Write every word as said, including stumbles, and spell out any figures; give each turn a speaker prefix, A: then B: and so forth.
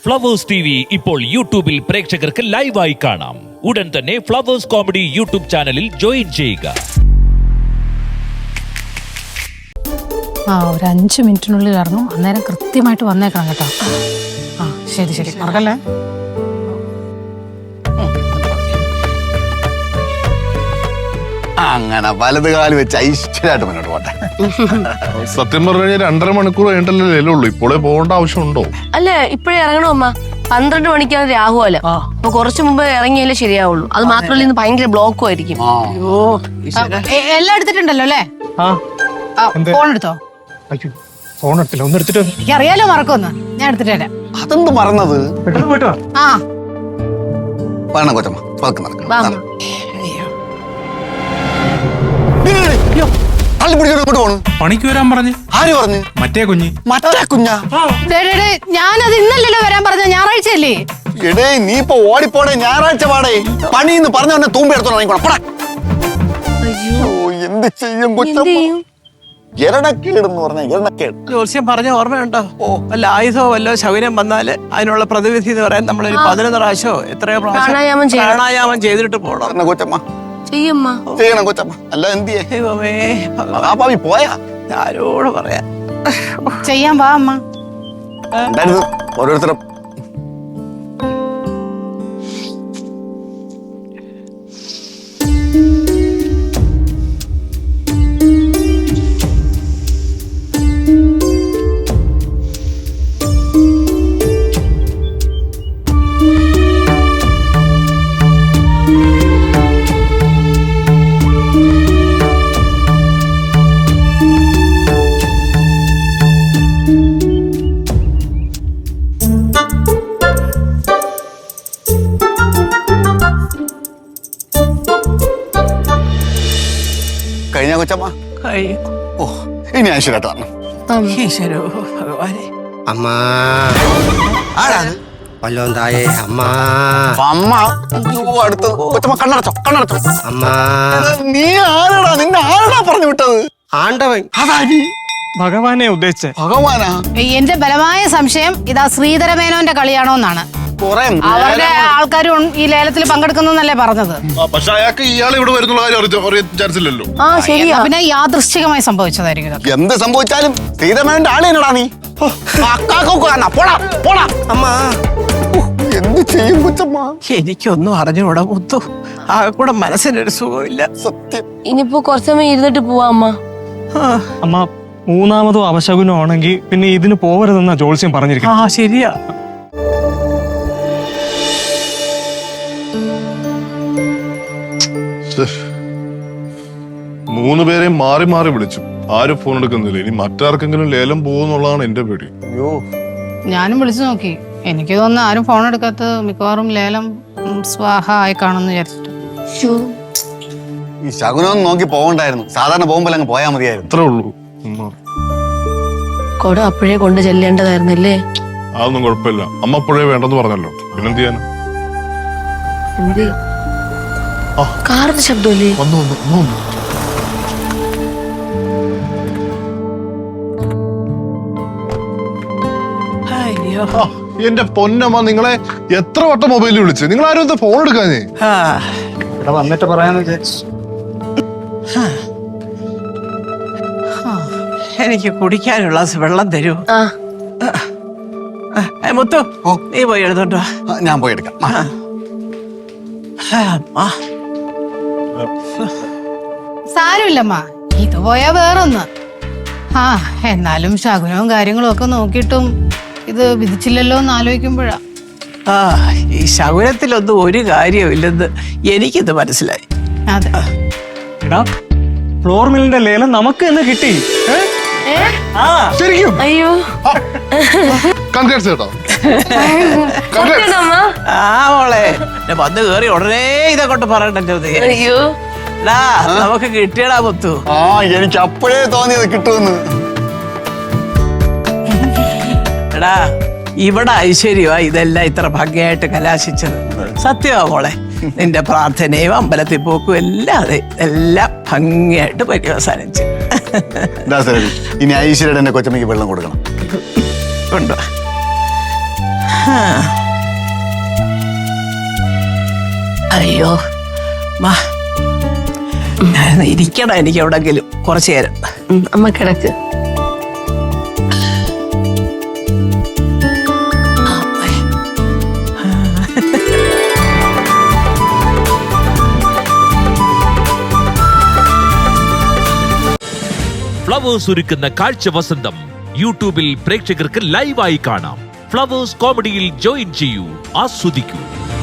A: Flowers T V ഇപ്പോൾ യൂട്യൂബിൽ പ്രേക്ഷകർക്ക് ലൈവായി കാണാം. ഉടൻ തന്നെ ഫ്ലവേഴ്സ് കോമഡി യൂട്യൂബ് ചാനലിൽ ജോയിൻ ചെയ്യുക.
B: ആ ഒരു അഞ്ച് മിനിറ്റിനുള്ളിൽ ഇറങ്ങും. അന്നേരം കൃത്യമായിട്ട് വന്നേക്കണം കേട്ടോ. ആ ശരി ശരി മറക്കല്ലേ.
C: അങ്ങനെ വലത് കാല് വെച്ച് ഐശ്വര്യമായിട്ട് മുന്നോട്ട് പോട്ടെ.
D: സത്യം പറഞ്ഞു കഴിഞ്ഞാൽ രണ്ടര മണിക്കൂർ കഴിഞ്ഞിട്ടല്ലേ ഉള്ളൂ. ഇപ്പോഴേ പോകേണ്ട ആവശ്യമുണ്ടോ?
E: അല്ലേ ഇപ്പഴേ ഇറങ്ങണോ അമ്മ? പന്ത്രണ്ട് മണിക്കാണ് രാഹുല. അപ്പൊ കുറച്ചു മുമ്പ് ഇറങ്ങിയാലേ ശരിയാവുള്ളൂ. അത് മാത്രമല്ല ഇന്ന് ഭയങ്കര ബ്ലോക്കും ആയിരിക്കും.
B: എല്ലാം എടുത്തിട്ടുണ്ടല്ലോ അല്ലേ? ഫോൺ എടുത്തോ?
F: ഫോൺ എടുത്തില്ല, ഒന്ന് എടുത്തിട്ട്
B: എനിക്ക് അറിയാലോ മറക്കൊന്ന്. ഞാൻ എടുത്തിട്ട് വരാം.
C: അതെന്ത് മറന്നത്?
B: ആ
C: വേണം കൊച്ചമ്മ, പതുക്കെ നടക്കണം.
E: വാ അമ്മ.
C: തള്ളി പിടിച്ചോണ്ട് ഇങ്ങോട്ട് പോണു.
F: പണിക്ക് വരാൻ പറഞ്ഞ്
C: ആര് പറഞ്ഞു?
F: മറ്റേ കുഞ്ഞ്.
C: മറ്റേ കുഞ്ഞാ?
B: ഡേ, ഡേ, ഡേ, ഞാനത് ഇന്നല്ലല്ലോ വരാൻ പറഞ്ഞ, ഞായറാഴ്ചയല്ലേ?
C: എടേ നീ ഇപ്പൊ ഓടിപ്പോടെ, ഞായറാഴ്ച പാടേ. പണിന്ന് പറഞ്ഞ തന്നെ തൂമ്പ എടുത്തോളാം. എന്ത് ചെയ്യും കൊച്ചമ്മ? എരണക്കേടെന്ന് പറഞ്ഞ എരണക്കേട്.
G: ജോത്സ്യം പറഞ്ഞ ഓർമ്മയുണ്ടോ? വല്ല ആയുധമോ വല്ലോ ശകുനം വന്നാല് അതിനുള്ള പ്രതിവിധി എന്ന് പറയാൻ നമ്മളൊരു പതിനൊന്ന് പ്രാവശ്യമോ എത്രയോ
E: പ്രാണായാമം ചെയ്യണം.
G: പ്രാണായാമം ചെയ്തിട്ട് പോകണം
C: കൊച്ചമ്മ.
E: ചെയ്യമ്മ
C: ചെയ്യണം കൊച്ചമ്മ. അല്ല എന്ത്
G: ദൈവമേ
C: പാവി പോയാ?
G: ആരോട് പറയാ.
B: ചെയ്യാൻ വാ അമ്മ.
C: ഉണ്ടായിരുന്നു ഓരോരുത്തരും. കഴിഞ്ഞ കൊച്ചമ്മ. ഓ ഇനി ഐശ്വര്യമായിട്ട് വരണം.
G: ഈശ്വരോ ഭഗവാനെ.
H: അമ്മ
C: ആരാണ്?
H: വല്ലോം തായേ അമ്മ.
C: അമ്മ അടുത്തത്. കൊച്ചമ്മ കണ്ണടച്ചോ, കണ്ണടച്ചോ.
H: അമ്മ
C: നീ ആരാടാ? നിന്നെ ആരാടാ പറഞ്ഞു വിട്ടത്?
H: ആണ്ടവൻ.
C: അതാരി?
F: ഭഗവാനെ ഉദ്ദേശിച്ചേ.
C: ഭഗവാനാ?
B: എന്റെ ബലമായ സംശയം ഇതാ ശ്രീധരമേനോന്റെ കളിയാണോ എന്നാണ്.
C: കൊറേ
B: അവരുടെ ആൾക്കാരും ഈ ലേലത്തിൽ പങ്കെടുക്കുന്നല്ലേ പറഞ്ഞത്.
D: പക്ഷെ അയാൾക്ക് ഇയാൾ ഇവിടെ വരുന്നുള്ള കാര്യം അറിയാൻ ചാൻസ് ഇല്ലല്ലോ.
E: ആ ശരിയാ.
B: പിന്നെ യാദൃശ്ചികമായി സംഭവിച്ചതായിരിക്കും ഇതൊക്കെ.
C: എന്ത് സംഭവിച്ചാലും ശ്രീധരമേനോന്റെ ആള് എന്നടാ നീ. പോടാ പോടാ.
H: അമ്മ
C: എന്ത് ചെയ്യും കൊച്ചമ്മ?
G: എനിക്കൊന്നും അറിഞ്ഞൂടാ മുത്തു. ആ കൂടെ മനസ്സിനൊരു സുഖമില്ല.
C: സത്യം.
E: ഇനിയിപ്പോ കുറച്ച് സമയം ഇരുന്നിട്ട് പോവാ അമ്മ.
F: അമ്മ മൂന്നാമതോ അവശകുനോ ആണെങ്കിൽ പിന്നെ ഇതിന് പോവരുതെന്നാ ജോത്സ്യം പറഞ്ഞിരിക്കും.
G: ആ ശരിയാ.
D: മൂന്ന് പേരെയും മാറി മാറി വിളിച്ചു, ആരും ഫോൺ എടുക്കുന്നില്ല. ഇനി മറ്റാർക്കെങ്കിലും ലേലം പോകുന്നുള്ളതാണ് എന്റെ പേടി.
C: അയ്യോ
B: ഞാനും വിളിച്ചു നോക്കി. എനിക്ക് തോന്നുന്നു ആരും ഫോൺ എടുക്കാത്തത് മിക്കവാറും ലേലം ഉം, സ്വാഹ ആയി കാണുമെന്ന് വിചാരിച്ചിട്ട്.
C: ഈ ശകുനം നോക്കി പോകണ്ടായിരുന്നു. സാധാരണ പോകുമ്പോൾ അങ്ങ് പോയാൽ മതിയായിരുന്നു.
D: അത്രേ ഉള്ളൂ. ഉമ്മ.
E: കൊട അപ്പോഴേ കൊണ്ട് ചെല്ലേണ്ടതായിരുന്നല്ലേ?
D: അതൊന്നും കുഴപ്പമില്ല. അമ്മ അപ്പോഴേ വേണ്ടെന്ന് പറഞ്ഞല്ലോ, പിന്നെന്ത് ചെയ്യാനാ?
E: എന്ത് കാറിന്റെ ശബ്ദമല്ലേ?
D: വന്നു വന്നു അമ്മ വന്നു.
G: അയ്യോ.
D: ആ, എന്റെ പൊന്നമ്മ, നിങ്ങളെ എത്ര വട്ടം മൊബൈലിൽ വിളിച്ച്, നിങ്ങൾ ആരും എന്താ ഫോൺ എടുക്കാഞ്ഞേ?
G: ആ.
F: ഇവിടെ വന്നിട്ട് പറയാന്ന് വിചാരിച്ചു.
G: എനിക്ക് കുടിക്കാനുള്ള വെള്ളം തരൂ.
E: ആ
G: ഏ, മുത്തു നീ പോയി എഴുതോട്ടോ.
C: ആ, ഞാൻ പോയി എടുക്കാം. ആ.
G: ആ
B: സാരമില്ലമ്മ, ഇത് പോയാ വേറൊന്ന്. ആ എന്നാലും ശകുനവും കാര്യങ്ങളും ഒക്കെ നോക്കിയിട്ടും ഇത് വിധിച്ചില്ലല്ലോ എന്ന് ആലോചിക്കുമ്പോഴാ.
G: ആ ഈ ശകുനത്തിലൊന്നും ഒരു കാര്യമില്ലെന്ന് എനിക്കിത് മനസ്സിലായി.
B: അതെ.
F: എടാ ഫ്ലോർ മില്ലിന്റെ ലേലം നമുക്ക് എന്ന് കിട്ടി.
D: ശരിക്കും
E: അയ്യോ
D: കൺഗ്രാറ്റ്സ് കേട്ടോ.
E: സത്യാണോ അമ്മ?
G: ആ മോളെ എന്നെ വന്ന് കേറി ഉടനെ ഇതെ കൊണ്ട് പറയണ്ടല്ലോ.
E: അയ്യോ
G: നമുക്ക് കിട്ടിയടാ മുത്തു.
C: ആ എനിക്ക് അപ്പോഴേ തോന്നിയത് കിട്ടുമെന്ന്.
G: എടാ ഇവിടെ ഐശ്വര്യമാ ഇതെല്ലാം ഇത്ര ഭംഗിയായിട്ട് കലാശിച്ചത്. സത്യമാ മോളെ. നിന്റെ പ്രാർത്ഥനയും അമ്പലത്തിൽ പോക്കും എല്ലാം അതെ എല്ലാം ഭംഗിയായിട്ട് പര്യവസാനിച്ചു.
C: ഇനി ഐശ്വര്യയുടെ എന്റെ കൊച്ചമ്മയ്ക്ക് വെള്ളം കൊടുക്കണം.
G: കൊണ്ടുവാ. അയ്യോ മാ ഞാൻ ഇരിക്കണം എനിക്ക് എവിടെങ്കിലും കുറച്ചു നേരം.
E: ഉം, അമ്മ കിടക്ക്.
A: ഫ്ലവേഴ്സ് ഒരുക്കുന്ന കാഴ്ച വസന്തം യൂട്യൂബിൽ പ്രേക്ഷകർക്ക് ലൈവായി കാണാം. ഫ്ലവേഴ്സ് കോമഡിയിൽ ജോയിൻ ചെയ്യൂ, ആസ്വദിക്കൂ.